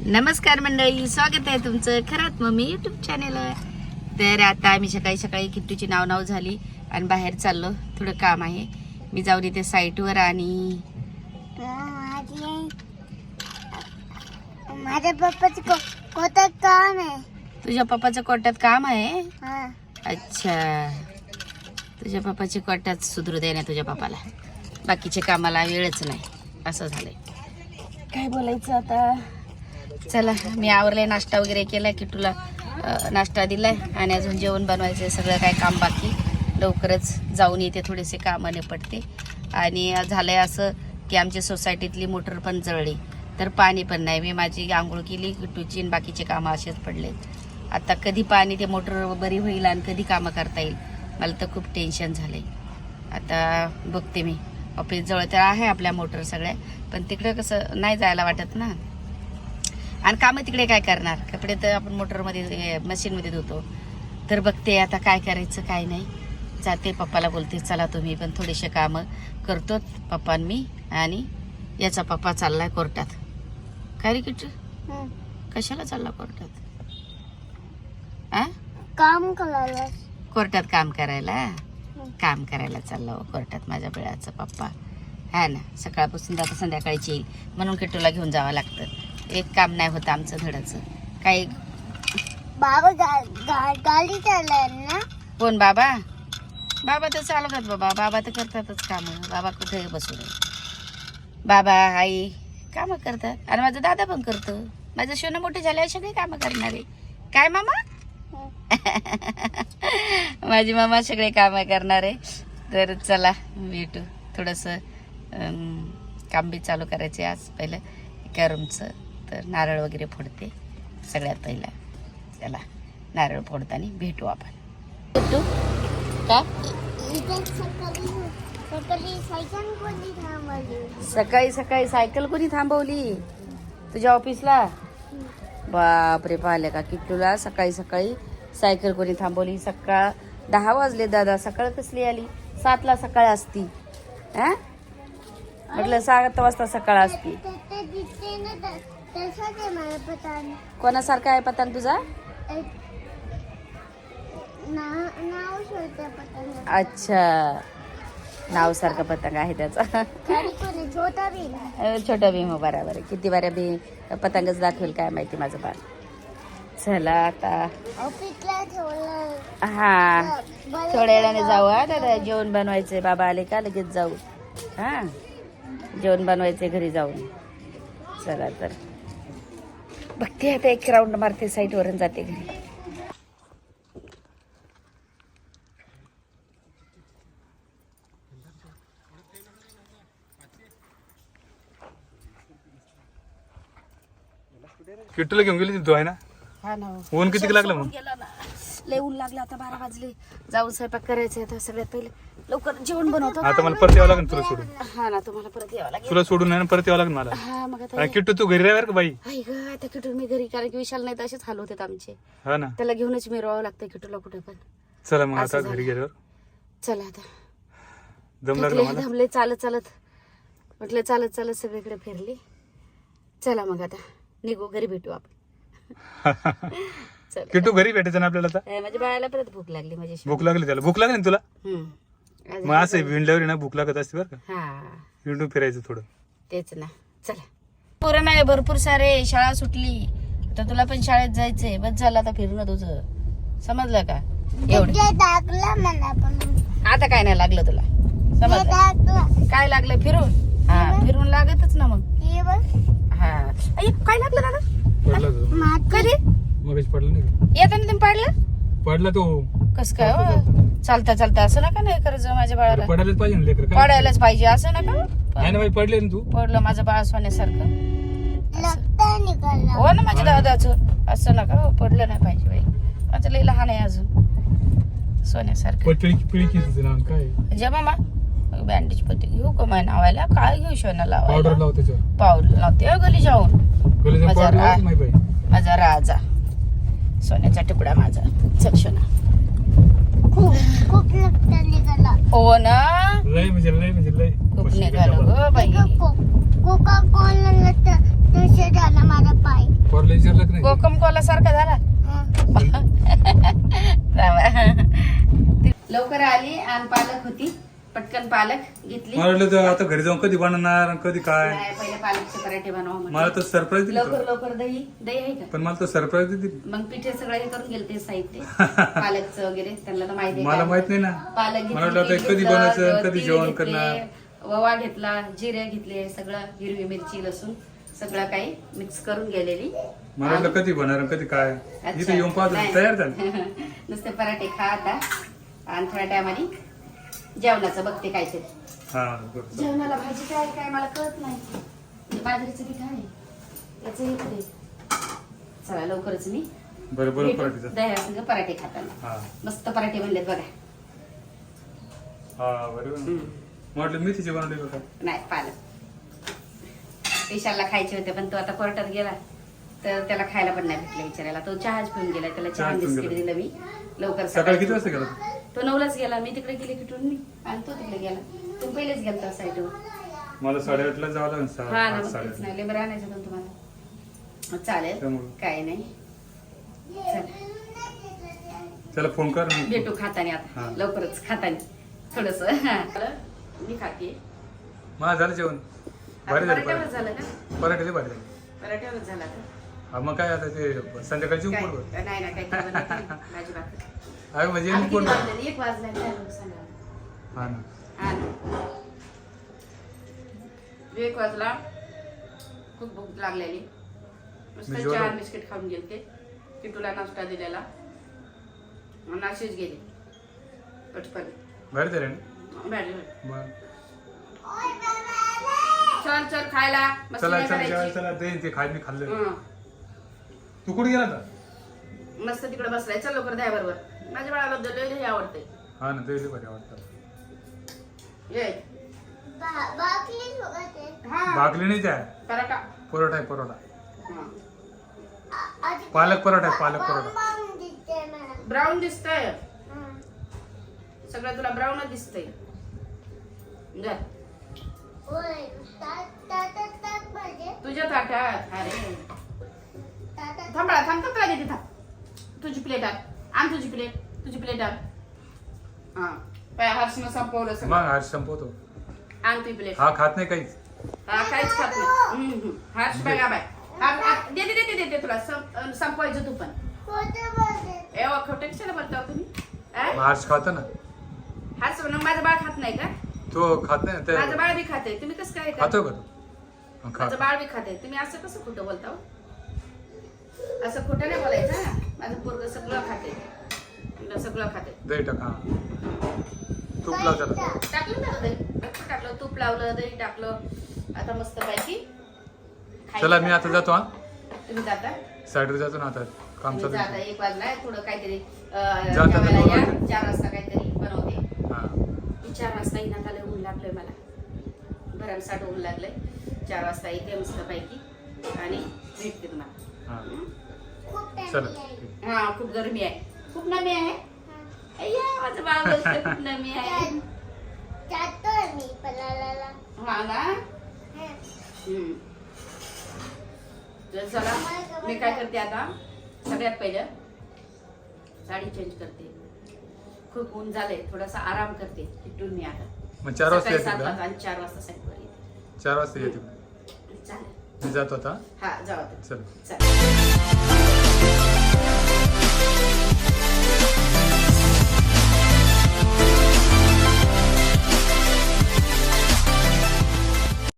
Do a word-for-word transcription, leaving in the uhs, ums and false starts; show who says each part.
Speaker 1: नमस्कार मंडळी, स्वागत आहे तुमचं खरात मम्मी युट्यूब चॅनेल. तर आता आम्ही सकाळी सकाळी किट्टूची नाव नाव झाली आणि बाहेर चाललो. थोडं काम आहे, मी जाऊन इथे साईटवर. आणि
Speaker 2: माझ्या पप्पाचं कोर्टात काम आहे.
Speaker 1: तुझ्या पप्पाचं कोर्टात काम आहे?
Speaker 2: हा.
Speaker 1: अच्छा, तुझ्या पप्पाची कोर्टात सुधरू दे ना तुझ्या पप्पाला, बाकीचे कामाला वेळच नाही, असं झालंय. काय बोलायचं आता. चला, मी आवरले, नाश्ता वगैरे केलाय, किट्टूला नाश्ता दिलाय आणि अजून जेवण बनवायचं, सगळं काय काम बाकी. लवकरच जाऊन येते, थोडेसे कामं निपटते. आणि झालंय असं की आमच्या सोसायटीतली मोटर पण जळली, तर पाणी पण नाही. मी माझी आंघोळ केली, किट्टूची, आणि बाकीचे कामं असेच पडले. आता कधी पाणी ते मोटर बरी होईल आणि कधी कामं करता येईल, मला तर खूप टेन्शन झालंय. आता बघते मी, ऑफिस जवळ तर आहे आपल्या मोटर सगळ्या, पण तिकडे कसं नाही जायला वाटत ना. आणि कामं तिकडे काय करणार, कपडे तर आपण मोटरमध्ये मशीनमध्ये धुतो. तर बघते आता काय करायचं काय नाही. जाते, पप्पाला बोलते चला तुम्ही पण थोडेसे कामं करतो, पप्पा मी. आणि याचा पप्पा चाललाय कोर्टात. काय रे किट्टू, कशाला चालला कोर्टात? आ
Speaker 2: काम करायला.
Speaker 1: कोर्टात काम करायला? काम करायला चाललो कोर्टात माझ्या बिळाचा पप्पा, हा ना. सकाळपासून आता संध्याकाळची येईल म्हणून किट्टूला घेऊन जावं लागतं. एक काम नाही होतं आमचं धडाचं. काही
Speaker 2: बाबा गाडी चालणार ना?
Speaker 1: कोण बाबा? बाबा तर चालवतात बाबा, बाबा तर करतातच कामं. बाबा कुठे बसून, बाबा आई कामं करतात. आणि माझा दादा पण करतो. माझं सोनं मोठे झाले असे काही कामं करणारे. काय मामा? माझी मामा सगळे कामं करणारे. तर चला भेटू. थोडंसं काम बी चालू करायचे आज. पहिलं एका रूमचं, तर नारळ वगैरे फोडते सगळ्यात पहिला. चला, नारळ फोडताना भेटू आपण. भेटू का? सकाळी सकाळी सायकल कोणी थांबवली तुझ्या ऑफिसला? बापरे, पाहिले का किट्टूला सकाळी सकाळी सायकल कोणी थांबवली? सकाळ दहा वाजले दादा, सकाळ कसली आली? सातला सकाळ असती. हा म्हटलं सात वाजता सकाळ असती. कोणासारखा आहे पतंग तुझा? अच्छा, नाव सारखं पतंग आहे त्याचा. छोटा भीम, बरोबर. किती बाऱ्या भी पतंगच दाखवेल काय माहिती माझं बाळ. चला आता हा, थोड्या वेळाने जाऊ. हा दादा, जेवण बनवायचंय, बाबा आले का लगेच जाऊ. हा, जेवण बनवायचंय घरी जाऊन. चला तर बघते आता, एक राऊंड मारते साईट वरून जाते घरी.
Speaker 3: किट्टूला घेऊन गेली तू आहे ना?
Speaker 1: हा ना.
Speaker 3: ऊन किती लागलं मग?
Speaker 1: गेला ना, लय ऊन लागलं. आता बारा वाजले, जाऊन स्वयंपाक करायचे. आता सगळ्यात पहिले लवकर जेवण बनवतो.
Speaker 3: आता मला परत यावं लागेल तुला सोडून.
Speaker 1: हा ना, तुम्हाला परत यावं लागेल.
Speaker 3: तुला सोडून नाही ना, परत यावं लागेल मला.
Speaker 1: हा मग आता
Speaker 3: आणि किट्टू तू घरी राहावर का बाई?
Speaker 1: आई ग, आता किटू मी घरी, कारण की विशाल नाही तर असेच हाल होते आमचे.
Speaker 3: हा ना,
Speaker 1: त्याला घेऊनच मिरवावं लागतं किटूला कुठे पण.
Speaker 3: चला मग
Speaker 1: असं
Speaker 3: आता घरी
Speaker 1: झालं.
Speaker 3: गेल्यावर
Speaker 1: चला आता,
Speaker 3: दम लागला
Speaker 1: थकले,
Speaker 3: मला.
Speaker 1: दमले, चालत चालत म्हटलं, चालत चालत सगळीकडे फिरली. चला मग आता निघू, घरी भेटू आपण. चला.
Speaker 3: किट्टू घरी भेटायचं ना आपल्याला आता.
Speaker 1: ए, माझ्या बाळाला परत भूक लागली. माझी
Speaker 3: भूक लागली त्याला? भूक लागली ना तुला?
Speaker 1: हम्म.
Speaker 3: मग असं विंडल्यावर ना भूक लागत असते बरं का.
Speaker 1: हा
Speaker 3: विंडून फिरायचं थोडं.
Speaker 1: तेच ना. चला, पोरं नाही भरपूर सारे, शाळा सुटली. आता तुला पण शाळेत जायचंय. बस झालं आता फिरणं तुझं, समजलं का? एवढं आता काय नाही लागलं तुला, समजलं? काय लागलं? फिरून. हा, फिरून लागतच ना मग. हा, अय्य, काय लागलं दादा?
Speaker 3: पडला तो.
Speaker 1: कधी?
Speaker 3: मगच पडला नाही का?
Speaker 1: येताना तुम्ही पाडलं?
Speaker 3: पडला तो.
Speaker 1: कस काय हो? चालता चालता असं नका नाही करायचं माझ्या बाळाला.
Speaker 3: पडायलाच पाहिजे ना लेकर. काय
Speaker 1: पडायलाच पाहिजे असं नका.
Speaker 3: आहे ना बाई, पडले ना तू.
Speaker 1: पडलं माझं बाळ सोन्यासारखं. हो ना माझ्या दादाचं, असं नका हो, पडलं नाही पाहिजे बाई. माझं लई लहान आहे अजून, सोन्यासारखं.
Speaker 3: पिळी पिळी किती नाव काय?
Speaker 1: जे मामा बँडेज पत्ती घेऊ का माय नावायला? काय घेऊ शोना लावायला?
Speaker 3: पावडर लाव त्याच्यावर.
Speaker 1: पावडर लावते गली जाऊन.
Speaker 3: गलीचा
Speaker 1: माझा
Speaker 3: पावडर
Speaker 1: रा-
Speaker 3: लाव नाही बाई.
Speaker 1: माझा राजा, सोन्याचा तुकडा माझा. चल शोना.
Speaker 2: खूप निघाला.
Speaker 1: हो ना,
Speaker 3: लय म्हणजे लय म्हणजे लय
Speaker 1: खूप निघालो ग बाई.
Speaker 2: कोका कोला तसे झाला माझा पाय.
Speaker 3: पर पोरला विचारलं की नाही
Speaker 1: कोकम कोला सारखा झाला लवकर आली आणि पालक होती पटकन पालक घेतली.
Speaker 3: मला वाटलं तर आता घरी जाऊन कधी बनवणार आणि कधी काय.
Speaker 1: नाही, पहिले पालकचे पराठे बनवा
Speaker 3: मला
Speaker 1: म्हटलं.
Speaker 3: तर सरप्राईज दिली
Speaker 1: लवकर
Speaker 3: तो.
Speaker 1: लवकर दही दही आहे का?
Speaker 3: पण मला तर सरप्राईज दिली.
Speaker 1: मग पिठे सगळं हे करून गेले ते साहित्य पालकचं वगैरे त्यांना तर माहिती आहे
Speaker 3: मला
Speaker 1: काय.
Speaker 3: माहित नाही ना.
Speaker 1: पालक
Speaker 3: मला वाटलं
Speaker 1: घेतली,
Speaker 3: आता कधी
Speaker 1: घेतलं,
Speaker 3: बनायचं कधी
Speaker 1: तीळ
Speaker 3: जेवण
Speaker 1: घेतले,
Speaker 3: करणार.
Speaker 1: ओवा घेतला जिरे घेतले सगळं हिरवी मिरची लसूण सगळं काही मिक्स करून गेलेली.
Speaker 3: मला वाटलं कधी बनणार आणि कधी काय.
Speaker 1: अच्छा.
Speaker 3: इथे येऊन पाहतो
Speaker 1: नाही.
Speaker 3: तयार झालं.
Speaker 1: नुसते पराठे खा आता आणि थोड्या टायमाने जेवणाचं बघते काय ते.
Speaker 3: हा बरं.
Speaker 1: जेवणाला भाजी काय काय मला कळत नाही. हे बाजरीचं पीठ आहे त्याचं हे पुढे. चला लवकरच मी
Speaker 3: बरं बरं
Speaker 1: भेटू
Speaker 3: पराठीचं.
Speaker 1: दह्यासंग पराठे खाताना.
Speaker 3: हा
Speaker 1: मस्त पराठे बनलेत बघा.
Speaker 3: हा बरोबर.
Speaker 1: हम्म.
Speaker 3: मला वाटलं मेथीचे बनवले का काय.
Speaker 1: नाही पालक विशालला खायचे होते पण तो आता कोर्टात गेला तर त्याला खायला पण नाही भेटलं विचारायला. तो चहाच पिऊन गेला त्याला चहा
Speaker 3: चहाच पिऊन
Speaker 1: बिस्किट
Speaker 3: गेला.
Speaker 1: दिलं मी लवकर
Speaker 3: सकाळी किती वाजता गेला.
Speaker 1: तो नऊलाच गेला मी तिकडे गेले किटून मी आणि तो तिकडे गेला. तू पहिलेच गेलता साईडवर.
Speaker 3: मला साडेआठला जावं लागेल. सहा
Speaker 1: हा ना
Speaker 3: आठ
Speaker 1: मग तेच
Speaker 3: साडेआठ
Speaker 1: नाही लेबर आणायचं होतं तुम्हाला. मग चालेल
Speaker 3: त्यामुळे.
Speaker 1: काय नाही चल
Speaker 3: त्याला फोन कर.
Speaker 1: भेटू खाताने
Speaker 3: हा.
Speaker 1: आता लवकरच खाताने थोडस मी खाते.
Speaker 3: मला झालं जेवण. भारी झालं
Speaker 1: पराठ्यावरच
Speaker 3: पराठे.
Speaker 1: झालं का
Speaker 3: पराठे भारी झाले.
Speaker 1: पराठ्यावरच झाला का
Speaker 3: हा मग काय आता ते संध्याकाळची
Speaker 1: काय
Speaker 3: उपड
Speaker 1: नाही ना काही भाजी भाकर.
Speaker 3: अरे म्हणजे
Speaker 1: आता किती
Speaker 3: उपड.
Speaker 1: वाजले? एक वाजला काय लोक सांगा.
Speaker 3: हा ना.
Speaker 1: हा ना. एक वाजला खूप भूक लागलेली मस्त
Speaker 3: मी जेवलो.
Speaker 1: चहा बिस्किट खाऊन गेलते किटूला नाश्ता दिलेला आणि अशीच गेली पटकन.
Speaker 3: भारी झाले ना.
Speaker 1: भारी.
Speaker 3: मग
Speaker 1: चल चल खायला मस्त
Speaker 3: चला
Speaker 1: नाही
Speaker 3: चला
Speaker 1: करायची.
Speaker 3: जेवायला चला ते ते खाय मी खाल्लं.
Speaker 1: हं.
Speaker 3: तू कुठे गेला होता.
Speaker 1: मस्त तिकडे बसलाय चल लवकर द्या बरोबर. माझ्या बाळाला लय लय आवडते.
Speaker 3: हा ना ते भारी आवडतात.
Speaker 1: ये
Speaker 2: बा- बाकी सोबत आहे.
Speaker 1: हा
Speaker 3: भाकली नाही त्या
Speaker 1: पराठा.
Speaker 3: परोठा आहे परोठा.
Speaker 1: हं.
Speaker 2: आ- आधी
Speaker 3: पालक परोठा आहे पालक परोठा.
Speaker 2: बॉम्ब दिसते मला.
Speaker 1: ब्राऊन दिसतंय
Speaker 2: हं.
Speaker 1: सगळं तुला ब्राऊनच दिसतंय. जा
Speaker 2: होय. ता- ताटात टाक पाहिजे.
Speaker 1: तुझ्या ताटात अरे
Speaker 2: ताटात
Speaker 1: थांबा थांब थांब काय देते थांब. तुझी प्लेट आण आण तुझी प्लेट तुझी प्लेट आण. हा पाय हर्षनं संपवलं
Speaker 3: मग
Speaker 1: सगळं.
Speaker 3: आज संपवतो.
Speaker 1: आण तुझी प्लेट.
Speaker 3: हा खात नाही काहीच.
Speaker 1: हा काहीच खात नाही. हम्म, हम्म. हर्ष बघा बाय हा- हा, देते देते देते तुला सं- अं, संपवायचं तू पण.
Speaker 2: खोटं बोलते.
Speaker 1: एवढं खोटं कशाला बोलता हो तुम्ही आ?
Speaker 3: मग आज खातो ना.
Speaker 1: हर्ष म्हणून माझं बाळ खात नाही का.
Speaker 3: तो खात नाही ना
Speaker 1: माझं
Speaker 3: ते.
Speaker 1: बाळ बी खाते तुम्ही कसं काय
Speaker 3: खातो का तू. हा, खा.
Speaker 1: माझं बाळ बी खाते तुम्ही असं कसं खोटं बोलता हो? असं खोटं नाही बोलायचं ना. माझं पोरग सगळं खाते तुला सगळं खाते.
Speaker 3: दही टाक. हा तूप लाव त्याला.
Speaker 1: टाकलं ना दही भरपूर टाकलं तूप लावलं दही टाकलं आता मस्त पैकी
Speaker 3: चला मी आता जातो. हा
Speaker 1: तुम्ही जाता
Speaker 3: साईडवर जातो ना आता काम
Speaker 1: तुम्ही
Speaker 3: चालू
Speaker 1: जाता
Speaker 3: आहे.
Speaker 1: एक वाजला थोडं काहीतरी अं,
Speaker 3: जाता
Speaker 1: जेवायला
Speaker 3: दोन
Speaker 1: या.
Speaker 3: वाजता.
Speaker 1: चार वाजता काहीतरी बनवते.
Speaker 3: हा
Speaker 1: मी चार वाजता येण्यात आलं ऊन लागलंय मला भरमसाठ ऊन लागलंय. चार वाजता येते मस्त पैकी आणि भेटते तुम्हाला.
Speaker 3: हा
Speaker 1: हं?
Speaker 2: खूप टाइम
Speaker 3: चला.
Speaker 2: आहे.
Speaker 1: हा खूप गरमी आहे खूप नमी आहे. अय्या माझं बाळ बोलतंय खूप नमी आहे.
Speaker 2: जातोय मी पलाला.
Speaker 1: हा ना
Speaker 2: हं.
Speaker 1: हम्म. तर चला मी काय करते आता सगळ्यात पहिलं साडी चेंज करते. खूप ऊन झालंय थोडासा आराम करते तिथून मी आता.
Speaker 3: मग चार वाजता
Speaker 1: सकाळी
Speaker 3: येते
Speaker 1: सात
Speaker 3: का.
Speaker 1: वाजता आणि चार वाजता साईडवर येते.
Speaker 3: चार वाजता येते.
Speaker 1: चालेल
Speaker 3: मी जातो आता.
Speaker 1: हा जाऊ आता.
Speaker 3: चल.
Speaker 1: चालेल